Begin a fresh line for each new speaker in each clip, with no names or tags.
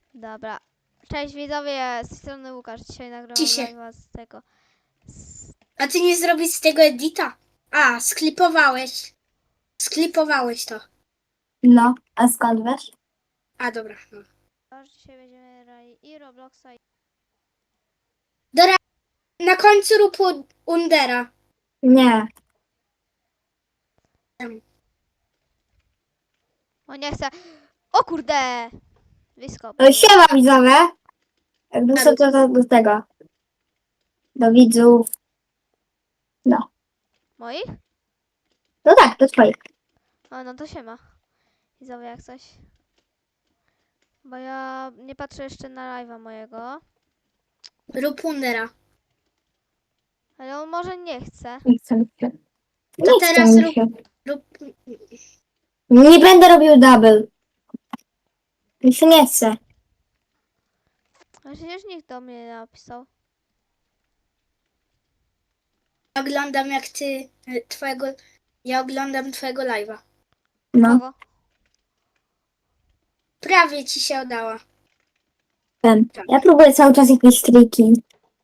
Dobra. Cześć widzowie, z tej strony Łukasz. Dzisiaj nagrywam
Ciszę.
live'a z tego.
A ty nie zrobisz z tego edita? A, sklipowałeś. Sklipowałeś to.
No, a skąd wiesz?
A, dobra. No.
Dzisiaj będziemy grali i Robloxa i...
Dobra, na końcu rób Undera.
Nie.
O nie chcę. O kurde! Blisko.
No siema widzowie. Jakby co to do tego. Do widzów. No.
Moich?
No tak, do twoich.
O, no to siema. Widzowie jak coś. Bo ja nie patrzę jeszcze na live'a mojego.
Rób Undera.
Ale on może nie chce.
Nie chcę mi się.
To
Nie chcę
teraz
mi
rób,
się.
rób...
Nie będę robił double. Mi się nie chce.
Ale przecież nikt do mnie nie napisał.
Oglądam jak ty... Twojego... Ja oglądam twojego live'a.
No,
Kogo?
Prawie ci się udała.
ten. Ja próbuję cały czas jakieś triki.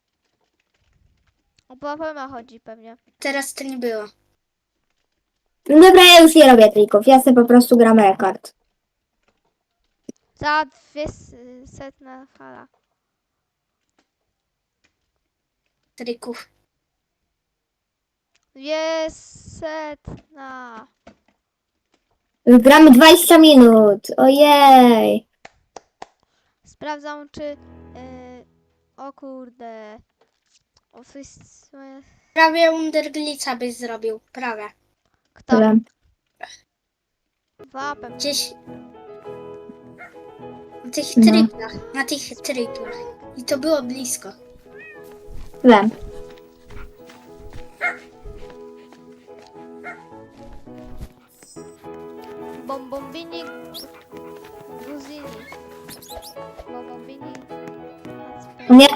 O PvP chodzi pewnie.
Teraz to nie było.
No dobra, ja już nie robię trików. Ja sobie po prostu gram rekord.
Za 200 fala.
Trików.
200.
Już gramy 20 minut. Ojej.
Sprawdzam czy... o kurde. O, coś...
Prawie Underglica byś zrobił. Prawie.
Kto?
Wiem.
Wapem.
Gdzieś... Na tych
No.
triplach. Na tych triplach. I to było blisko.
Wiem.
Bombombini. Guzini. Bombombini.
Nie.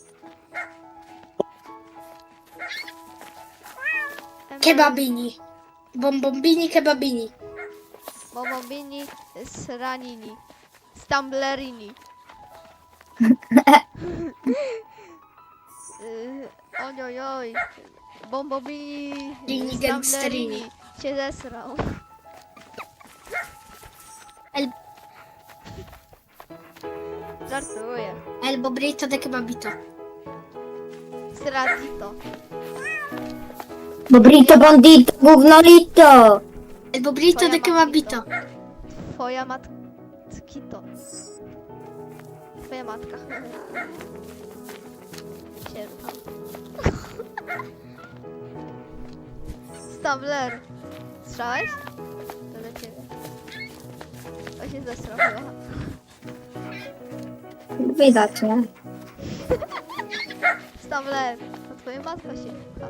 Kebabini. Bombombini kebabini.
Bombombini. Sranini. Stumblerini. Ojojoj. Bombombini.
Rini gangsterini.
Cię zesrał.
El,
Żartuję.
el bobrito de kebabito.
Stratito.
Bobrito, bandito, gównolito.
El bobrito
Twoja
de kebabito.
Twoja matkito. Twoja matka. Sierpa. Stabler. Słyszałeś? To do ciebie. To się zesrał chyba.
Widać, nie?
Stabler. To twoja matka się pcha.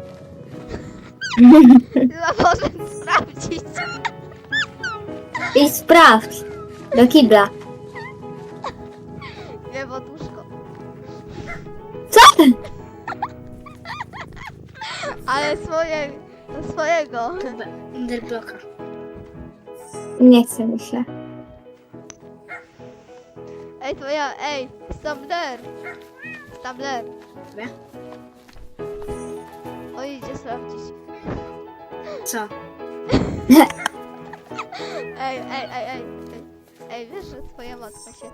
Chyba może sprawdzić.
I sprawdź. Do kibla.
Nie, bo łóżko.
Co?
Ale do swojego.
Underbloka.
Nie chce mi się.
Ej, Stabler. Stabler.
Nie?
Oj, idzie sprawdzić.
Co?
Ej, wiesz, że twoja matka się...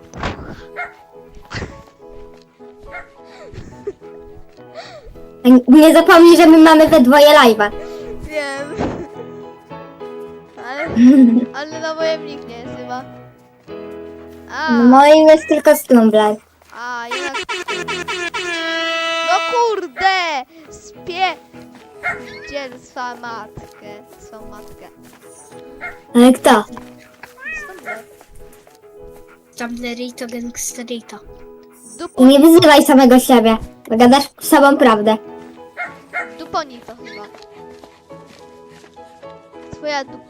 Nie zapomnij, że my mamy we dwoje live'a.
Wiem. Ale na moim nikt nie jest chyba.
No moim jest tylko Stumblr.
A, jednak... No kurde! Gdzie swą matkę?
Ale kto?
Stabler.
Stumblerito gangsterito.
I nie wyzywaj samego siebie, bo gadasz samą prawdę.
Duponi to chyba. Twoja dupa.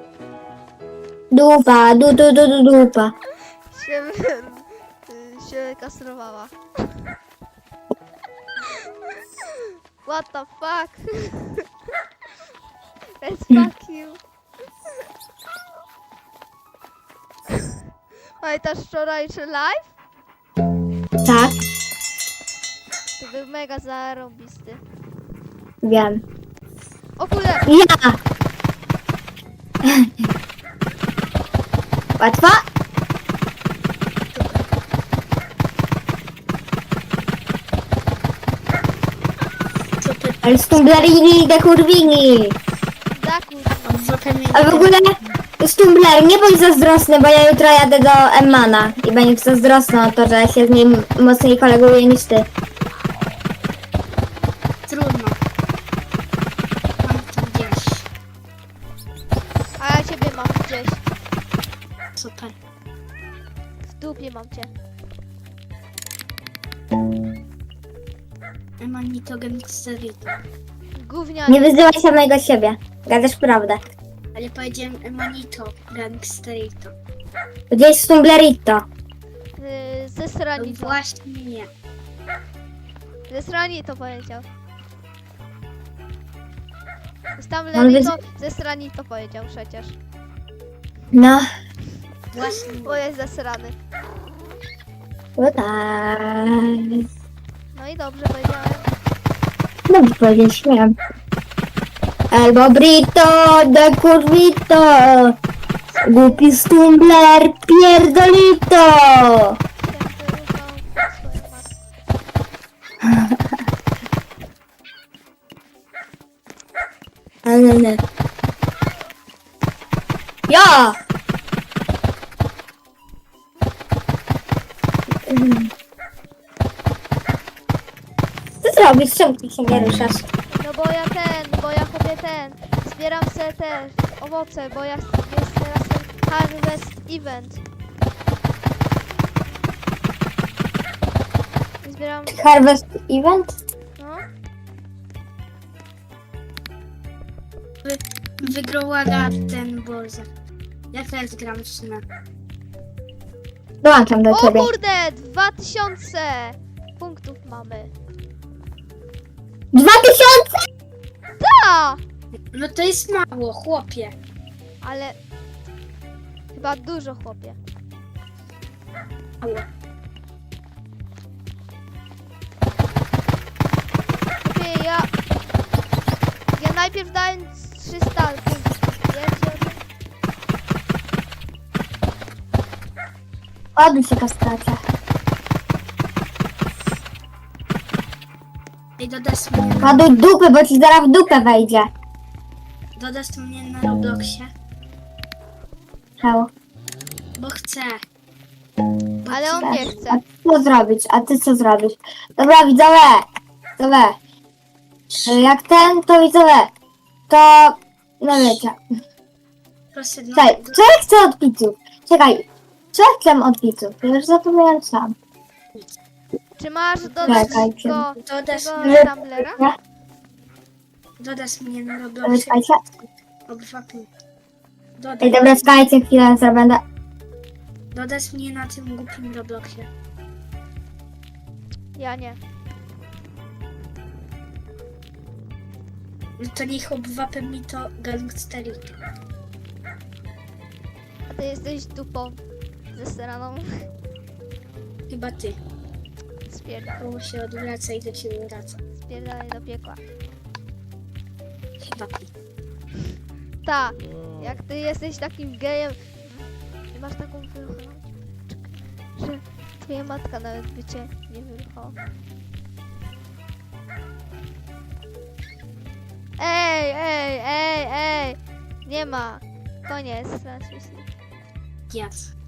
Dupa, dupa.
się kastrowała. What the fuck? Let's fuck you. Pamiętasz wczorajszy live?
Tak,
To był mega zarąbisty.
wiem.
O kurde!
Ja! Łatwo?
Super.
Ale stumblerini, dekurwini.
Zakuł.
A w ogóle Stumbler, nie bądź zazdrosny, bo ja jutro jadę do Emmana i będę zazdrosna o to, że się z nim mocniej koleguję niż ty.
Trudno. Mam to gdzieś.
A ja ciebie mam gdzieś.
Super.
W dupie mam cię.
Emanito Gangsterito.
Gównianie.
Nie wyzywaj samego siebie. Gadasz prawdę.
Ale powiedziałem Emanito Gangsterito.
Gdzieś Stumblerito.
Ze
No
strani to.
właśnie nie.
Ze strani to powiedział. Tam
On
lewi
wyz-
to ze strani to powiedział przecież.
No,
Właśnie
Bo jest zesrany.
to tak.
No i dobrze powiedziałem.
Dobrze powiedzieć, śmiałem. Albo Brito, dekurwito. Głupi Stumbler, pierdolito.
Święty ruchał swoją matkę.
Ale nie. Ja! Co zrobisz? Czemu ty się nie ruszasz?
No bo ja chopię zbieram se te owoce, bo jest teraz ten harvest event. I zbieram,
Harvest Event?
no.
wygrała ten Boże. Ja też gram w sumie.
Dołączam do
O
ciebie.
kurde, 2000 punktów mamy.
2000?
Ta!
No to jest mało, chłopie.
Ale chyba dużo chłopie.
Mało.
Chłopie, ja najpierw dałem 300 punktów. Wiecie o tym?
Odbij się kastracja.
Ej, dodasz mnie,
Ładuj dupy, bo ci zaraz w dupę wejdzie.
dodasz mnie na Robloxie,
Czemu?
bo chcę.
Ale on nie chce.
A ty co zrobić? A ty co zrobisz? Dobra, widzowie. Widzowie. Jak ten, to widzowie. To... No wiecie.
Proszę, no,
Czekaj, co ja chcę od widzów? Czekaj. Co ja chcę od widzów? Ja już zapomniałem sam.
Czy masz dodać
Czekajcie.
go
dodasz,
tego
mnie,
Tumblera?
Nie?
dodasz mnie na Robloxie.
Czekajcie.
Obywatelu.
Ej, dobra, czekajcie chwilę, co będę...
Dodasz mnie na tym głupim Robloxie.
Ja nie.
No to niech obywatel mi to Gangsterito.
A ty jesteś dupą ze straną.
Chyba ty.
Spierdalaj,
Koło się odwraca i do ciebie wraca.
spierdalaj do piekła.
Chyba ty.
Ta, jak ty jesteś takim gejem i masz taką wyruchową, że twoja matka nawet by cię nie wyruchała. Ej! Nie ma. Koniec transmisji.
Yes.